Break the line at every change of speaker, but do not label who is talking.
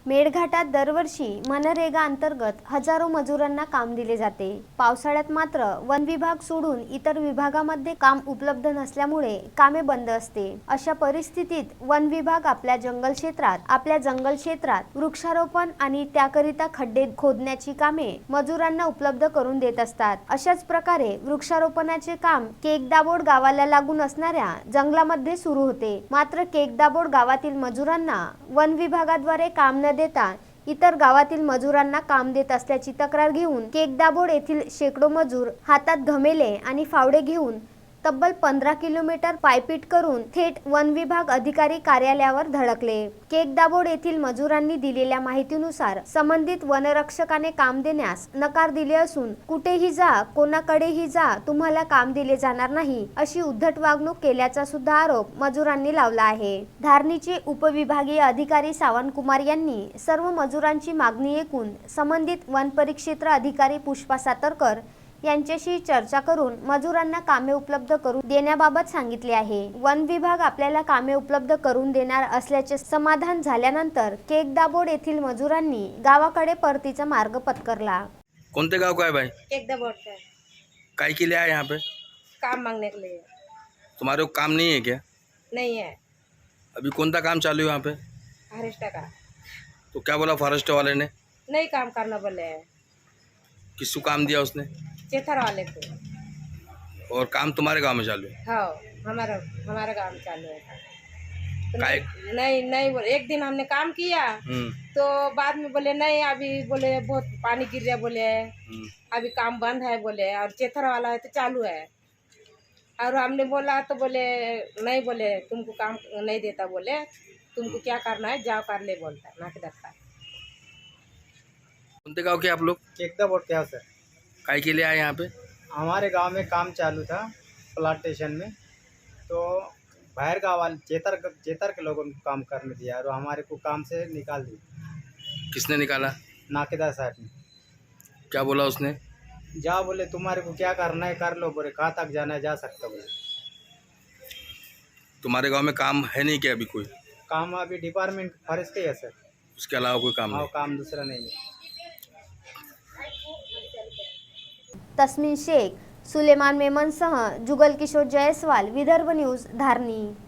मेळघाटात दरवर्षी मनरेगा अंतर्गत हजारो मजुरांना काम दिले जाते। पावसाळ्यात मात्र वन विभाग सोडून इतर विभागामध्ये काम उपलब्ध नसल्यामुळे कामे बंद असते। अशा परिस्थितीत वन विभाग आपल्या जंगल क्षेत्रात वृक्षारोपण आणि त्याकरिता खड्डे खोदण्याची कामे मजुरांना उपलब्ध करून देत असतात। अशाच प्रकारे वृक्षारोपणाचे काम केकदाबोड गावाला लागून असणाऱ्या जंगलामध्ये सुरू होते। मात्र केकदाबोड गावातील मजुरांना वन विभागाद्वारे काम न देता इतर गावातील मजुरांना काम देत असल्याची तक्रार घेऊन केकदाबोड येथील शेकडो मजूर हातात घमेले आणि फावडे घेऊन तब्बल 15 किलोमीटर पायपीट करून थेट वन विभाग अधिकारी कार्यालयावर धडकले। केकदाबोड येथील मजुरांनी दिलेल्या माहितीनुसार संबंधित वनरक्षकाने काम देण्यास नकार दिले असून कुठेही जा, कोणाकडेही जा, तुम्हाला काम दिले जाणार नाही अशी उद्धट वागणूक केल्याचा सुद्धा आरोप मजुरांनी लावला आहे। धारणीचे उपविभागीय अधिकारी सावंत कुमार यांनी सर्व मजुरांची मागणी ऐकून संबंधित वन परिक्षेत्र अधिकारी पुष्पा सातरकर यांच्याशी चर्चा करून मजुरांना कामे उपलब्ध करून देण्याबाबत सांगितले आहे। वन विभाग आपल्याला कामे उपलब्ध करून देणार असल्याचे समाधान झाल्यानंतर केकदाबोड येथील मजुरांनी गावाकडे परतीचा मार्ग पत्करला।
कौन गाँव का है भाई?
केकदाबोड का है।
काय के लिए आए यहाँ पे?
काम मांगने के लिए।
तुम्हारे को काम नहीं है क्या?
नहीं है।
अभी कौन सा काम चालू है यहाँ पे?
फॉरेस्ट का।
तो क्या बोला फॉरेस्ट वाले ने?
नहीं काम करना बोले है।
किसको काम दिया उसने?
चेथर वाले को।
और काम तुम्हारे गांव में चालू है?
हाँ, हमारा गाँव में चालू है। तो
काय?
नहीं बोले। एक दिन हमने काम किया तो बाद में बोले नहीं, अभी बोले बहुत पानी गिर रहा बोले, अभी काम बंद है बोले, और चेथर वाला है तो चालू है। और हमने बोला तो बोले नहीं, बोले तुमको काम नहीं देता, बोले तुमको क्या करना है जाओ कर ले बोलता है नाक धक्का।
कौन गाँव के आप लोग?
केकदाबोड क्या सर?
काय के लिए आए यहाँ पे?
हमारे गांव में काम चालू था प्लांटेशन में, तो बाहर गाँव वाले चेतर के लोगों को काम करने दिया और हमारे को काम से निकाल दिया।
किसने निकाला?
नाकेदार साहब ने।
क्या बोला उसने?
जा बोले तुम्हारे को क्या करना है कर लो, बोले कहाँ तक जाना है जा सकता बोले।
तुम्हारे गांव में काम है नहीं क्या अभी कोई?
काम अभी डिपार्टमेंट फॉरेस्ट के है सर।
उसके अलावा कोई काम
हाँ,
नहीं?
काम दूसरा नहीं है।
तस्मीन शेख, सुलेमान मेमनसह जुगल किशोर जयस्वाल, विदर्भ न्यूज, धारणी।